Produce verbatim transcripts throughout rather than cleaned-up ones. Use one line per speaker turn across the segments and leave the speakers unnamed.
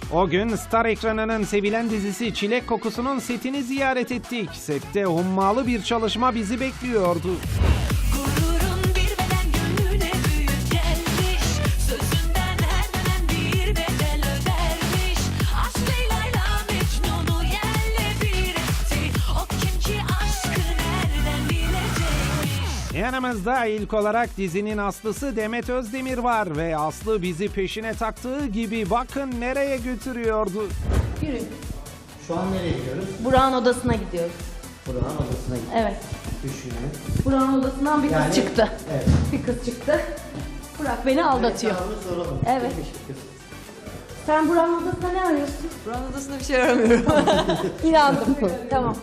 O gün Star ekranının sevilen dizisi Çilek Kokusu'nun setini ziyaret ettik. Sette hummalı bir çalışma bizi bekliyordu.
Gururun bir beden gönlüne büyük gelmiş. Sözünden her dönem bir bedel ödermiş. Aşk Leyla'yla Mecnun'u yerle bir etti. O kim ki aşkı nereden bilecekmiş.
Yanımızda ilk olarak dizinin aslısı Demet Özdemir var ve Aslı bizi peşine taktığı gibi bakın nereye götürüyordu.
Yürüyün.
Şu an nereye gidiyoruz?
Burak'ın odasına gidiyoruz.
Burak'ın odasına gidiyoruz.
Evet.
Düşünün.
Burak'ın odasından bir kız
Yani-
çıktı.
Evet.
Bir kız çıktı. Burak beni aldatıyor.
Evet, sana onu soralım.
Evet.
Kimmiş bu kız?
Sen Burak'ın odasında ne arıyorsun?
Buranın odasında bir şey aramıyorum.
İnandım. Tamam.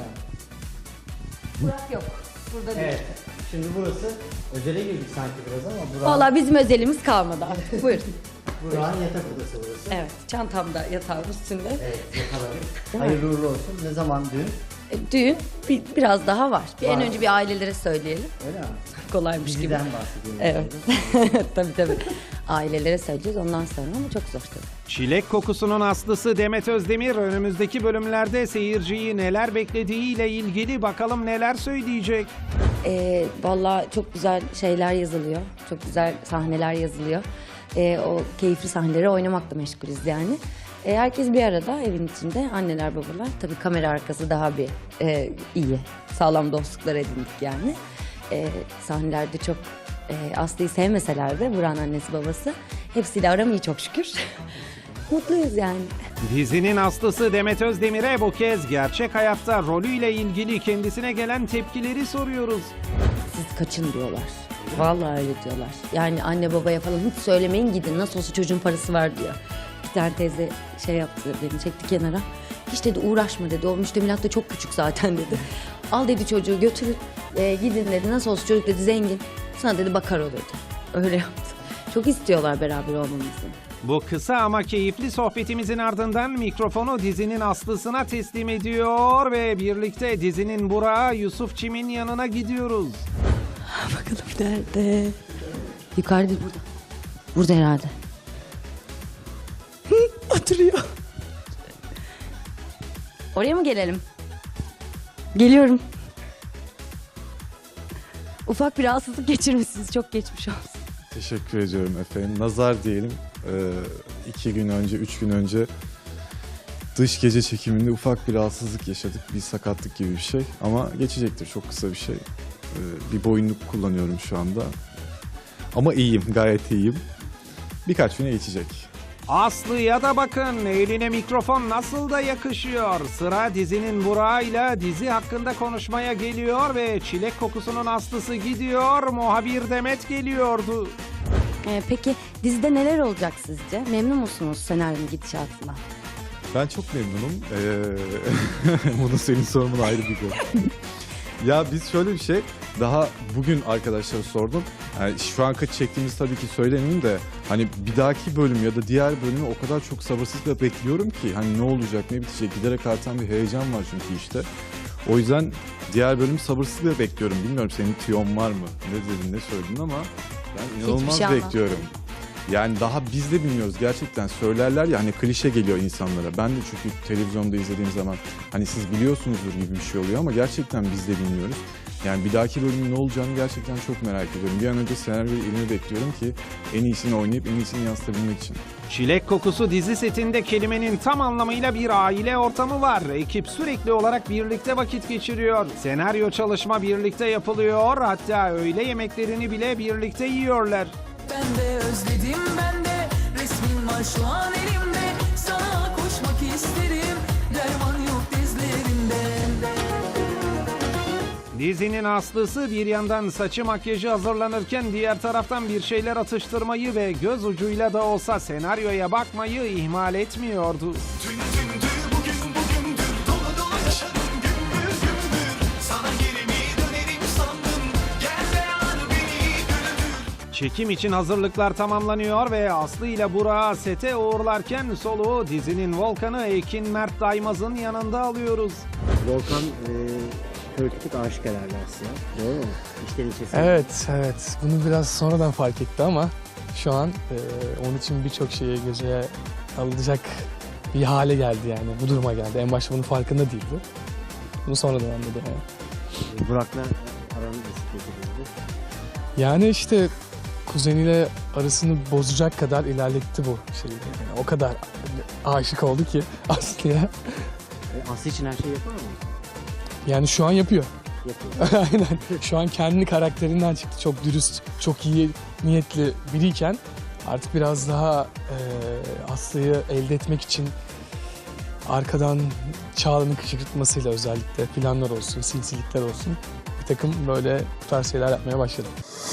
Burak yok. Burada değil.
Evet. Şimdi burası özele girdik sanki biraz ama Burak'ın,
Valla bizim özelimiz kalmadı artık. Buyurun.
Burak'ın yatak odası burası.
Evet. Çantamda yatağın üstünde.
Evet, yakalarım. Hayırlı uğurlu olsun. Ne zaman düğün?
E, Düğün bir, biraz daha var. Bir en
Var.
önce bir ailelere söyleyelim.
Öyle mi?
Kolaymış gibi.
Diziden bahsediyorum.
Evet. tabii tabii. Ailelere söyleyeceğiz ondan sonra ama çok zor tabii.
Çilek Kokusu'nun aslısı Demet Özdemir önümüzdeki bölümlerde seyirciyi neler beklediğiyle ilgili bakalım neler söyleyecek.
Ee, Valla çok güzel şeyler yazılıyor. Çok güzel sahneler yazılıyor. Ee, o keyifli sahneleri oynamakla meşgulüz yani. Ee, herkes bir arada evin içinde. Anneler babalar. Tabii kamera arkası daha bir e, iyi. Sağlam dostluklar edindik yani. Ee, sahnelerde çok e, Aslı'yı sevmeseler de Burak'ın annesi babası. Hepsiyle aram iyi çok şükür. Mutluyuz yani.
Dizinin aslısı Demet Özdemir'e bu kez gerçek hayatta rolüyle ilgili kendisine gelen tepkileri soruyoruz.
Siz kaçın diyorlar. Vallahi öyle diyorlar. Yani anne babaya falan hiç söylemeyin gidin. Nasıl olsa çocuğun parası var diyor. Bir tane teyze şey yaptı beni çekti kenara. Hiç dedi uğraşma dedi. O müştemilat da çok küçük zaten dedi. Al dedi çocuğu götürün e, gidin dedi. Nasıl olsa çocuk dedi zengin. Sana dedi bakar o dedi. Öyle yaptı. Çok istiyorlar beraber olmamızı.
Bu kısa ama keyifli sohbetimizin ardından mikrofonu dizinin aslısına teslim ediyor ve birlikte dizinin Burak'ı Yusuf Çim'in yanına gidiyoruz.
Bakalım nerede? Yukarıda burada. Burada herhalde. Oturuyor. Oraya mı gelelim? Geliyorum. Ufak bir rahatsızlık geçirmişsiniz. Çok geçmiş olsun.
Teşekkür ediyorum efendim. Nazar diyelim. Ee, iki gün önce, üç gün önce dış gece çekiminde ufak bir rahatsızlık yaşadık. Bir sakatlık gibi bir şey. Ama geçecektir. Çok kısa bir şey. Ee, bir boyunluk kullanıyorum şu anda. Ama iyiyim. Gayet iyiyim. Birkaç güne geçecek.
Aslı'ya da bakın eline mikrofon nasıl da yakışıyor. Sıra dizinin Burak'ıyla dizi hakkında konuşmaya geliyor ve Çilek Kokusu'nun aslısı gidiyor, muhabir Demet geliyordu.
Ee, peki dizide neler olacak sizce? Memnun musunuz senaryonun gidişatından?
Ben çok memnunum. Ee, bunu senin sorman ayrı bir konu. Ya biz şöyle bir şey, daha bugün arkadaşlara sordum. Yani şu an kaç çektiğimiz tabii ki söylemeyeyim de hani bir dahaki bölüm ya da diğer bölümü o kadar çok sabırsızlıkla bekliyorum ki hani ne olacak ne bitecek giderek artan bir heyecan var çünkü işte. O yüzden diğer bölümü sabırsızlıkla bekliyorum. Bilmiyorum senin tüyon var mı? Ne dedin ne söyledin ama ben inanılmaz
şey
bekliyorum. Yani daha biz de bilmiyoruz gerçekten söylerler ya hani klişe geliyor insanlara. Ben de çünkü televizyonda izlediğim zaman hani siz biliyorsunuzdur gibi bir şey oluyor ama gerçekten biz de bilmiyoruz. Yani bir dahaki bölümün ne olacağını gerçekten çok merak ediyorum. Bir an önce senaryoyu elime bekliyorum ki en iyisini oynayıp en iyisini yansıtabilmek için.
Çilek Kokusu dizi setinde kelimenin tam anlamıyla bir aile ortamı var. Ekip sürekli olarak birlikte vakit geçiriyor. Senaryo çalışma birlikte yapılıyor. Hatta öğle yemeklerini bile birlikte yiyorlar.
Ben de özledim ben de. Resmin var şu an elimde. Sana koşmak isterim. Derman yok dizlerimde.
Dizinin aslısı bir yandan saçı makyajı hazırlanırken diğer taraftan bir şeyler atıştırmayı ve göz ucuyla da olsa senaryoya bakmayı ihmal etmiyordu. Çekim için hazırlıklar tamamlanıyor ve Aslı ile Burak'ı sete uğurlarken soluğu dizinin Volkan'ı Ekin Mert Daymaz'ın yanında alıyoruz.
Volkan e, politik aşık herhalde aslında. Doğru mu? İşten içe.
Evet, evet. Bunu biraz sonradan fark etti ama şu an e, onun için birçok şeye geceye kalacak bir hale geldi yani. Bu duruma geldi. En başta bunun farkında değildi. Bunu sonradan anladı yani.
Ee, Burak'la aranız nasıl peki?
Yani işte kuzeniyle arasını bozacak kadar ilerletti bu şeyi. Yani o kadar aşık oldu ki Aslı'ya.
E, Aslı için her şeyi yapar mı?
Yani şu an yapıyor.
Yapıyor.
Aynen. Şu an kendi karakterinden çıktı. Çok dürüst, çok iyi niyetli biriyken artık biraz daha e, Aslı'yı elde etmek için arkadan Çağla'nın kışkırtmasıyla özellikle planlar olsun, sinsilikler olsun bir takım böyle bu tarz şeyler yapmaya başladı.